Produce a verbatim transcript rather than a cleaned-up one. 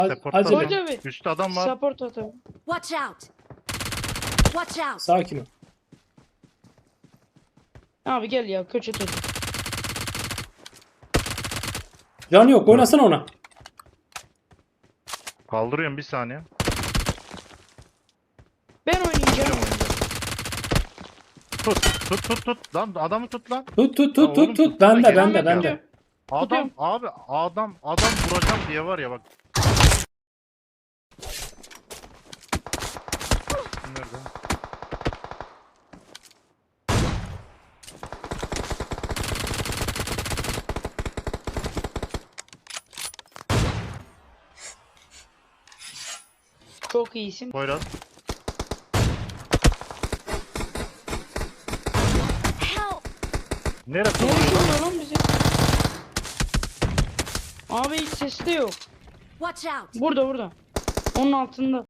Support'ta Acele. adam. Hoca abi. Üstte adam var. Support atalım. Watch out! Watch out! Sakin ol. Abi gel ya köşe tut. Canı yok, oynasana ona. Kaldırıyorum bir saniye. Ben oynayacağım. Tut tut tut tut. Lan adamı tut lan. Tut tut Ya tut oğlum, tut tut. tutsana, Bende gel. bende Ya. bende. Adam Tutuyorum. abi adam adam vuracağım diye var ya bak. Nerede? Çok iyisin. Poyraz. Help! Neresi Nereye vuruyor lan? vuruyor lan bizi? Abi hiç ses de yok. Watch out! Burada burada. Onun altında.